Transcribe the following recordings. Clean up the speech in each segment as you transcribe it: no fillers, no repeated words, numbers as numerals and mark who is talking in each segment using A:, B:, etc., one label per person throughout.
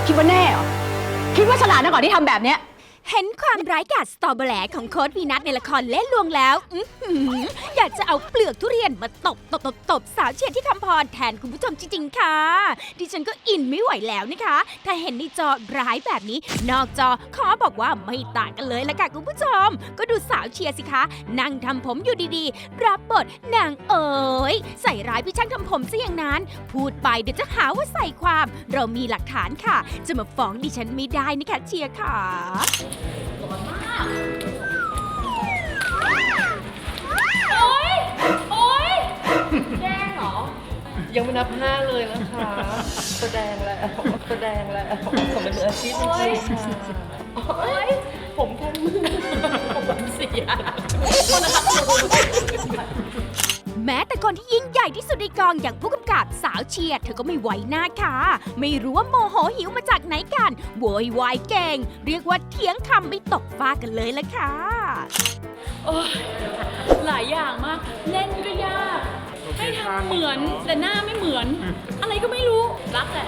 A: คิดว่าแน่เหรอคิดว่าฉลาดนะก่อนที่ทำแบบเนี้ย
B: เห็นความร้ายกาจสตอเบอร์แหลของโค้ดวีนัทในละครเล่นลวงแล้วอยากจะเอาเปลือกทุเรียนมาตบสาวเชียร์ที่คำพรแทนคุณผู้ชมจริงๆค่ะดิฉันก็อินไม่ไหวแล้วนะคะ ถ้าเห็นในจอร้ายแบบนี้ นอกจอขอบอกว่าไม่ต่างกันเลยละค่ะคุณผู้ชม ก็ดูสาวเชียร์สิคะนั่งทำผมอยู่ดีๆ รับบทนางเอ๋ยใส่ร้ายพี่ช่างทำผมซะอย่างนั้น พูดไปเดี๋ยวจะหาว่าใส่ความ เรามีหลักฐานค่ะ จะมาฟ้องดิฉันไม่ได้นะคะเชียร์ค่ะ
C: ยังไม่นับห้าเลยนะคะ แสดงแล้วผมเป็นมืออาชีพจริงๆค่ะผมแค่มือผมเสีย
B: แม้แต่คนที่ยิ่งใหญ่ที่สุดในกองอย่างผู้กำกับสาวเชียร์เธอก็ไม่ไหวหน้าค่ะ ไม่รู้ว่าโมโหหิวมาจากไหนกันโวยวายเก่ง เรียกว่าเถียงคำไม่ตกฟ้ากันเลยละค่ะ
D: หลายอย่างมาก เล่นก็ยาก ให้ทำเหมือนแต่หน้าไม่เหมือน อะไรก็ไม่รู้ รักแหละ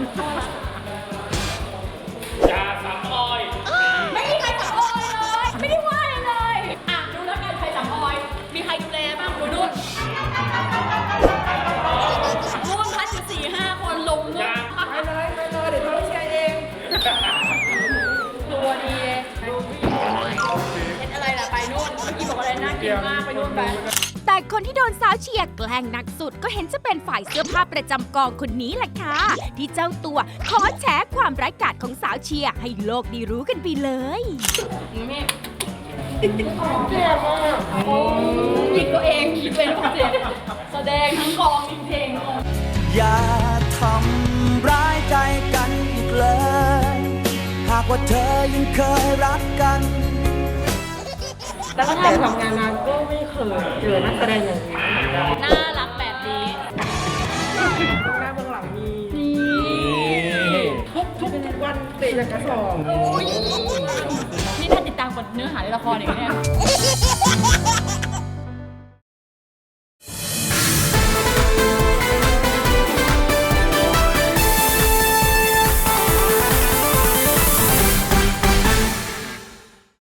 D: ไม่มีใครสับออยเลย ไม่ได้ว่าอะไรเลย อ่ะ ดูแล้วกันใครสับออย มีใครดูแลบ้างดูนู่นร่วมพัดอยู่4-5 คนลงนู่นไปเลยเดี๋ยวเราเชียร์เองตัวดีเห็นอะไรล่ะไปนู่นเมื่อกี้บอกอะไรน่ากินมากไปนู่นไป
B: แต่คนที่โดนสาวเชียร์แกล้งหนักสุดก็เห็นจะเป็นฝ่ายเสื้อผ้าประจำกองคนนี้แหละค่ะ ที่เจ้าตัวขอแฉความร้ายกาจของสาวเชียร์ให้โลกได้รู้กันไปเลย
D: หยิกตัวเองคิดเป็นเจ็บแสดงทั้งกองจริงๆ
E: อย่าทำร้ายใจกันอีกเลย หากว่าเธอยังเคยรักกัน
C: ตั้งแต่ทำงานมาก็ไม่เคยเจอนักแสดงอย่างนี้
D: น่ารักแบบนี้
C: หน้าเบื้องหลังมีทุกวันเตะจากกระสอบ
D: นี่ถ้าติดตามกับเนื้อหาในละครอย่างนี้เนี่ย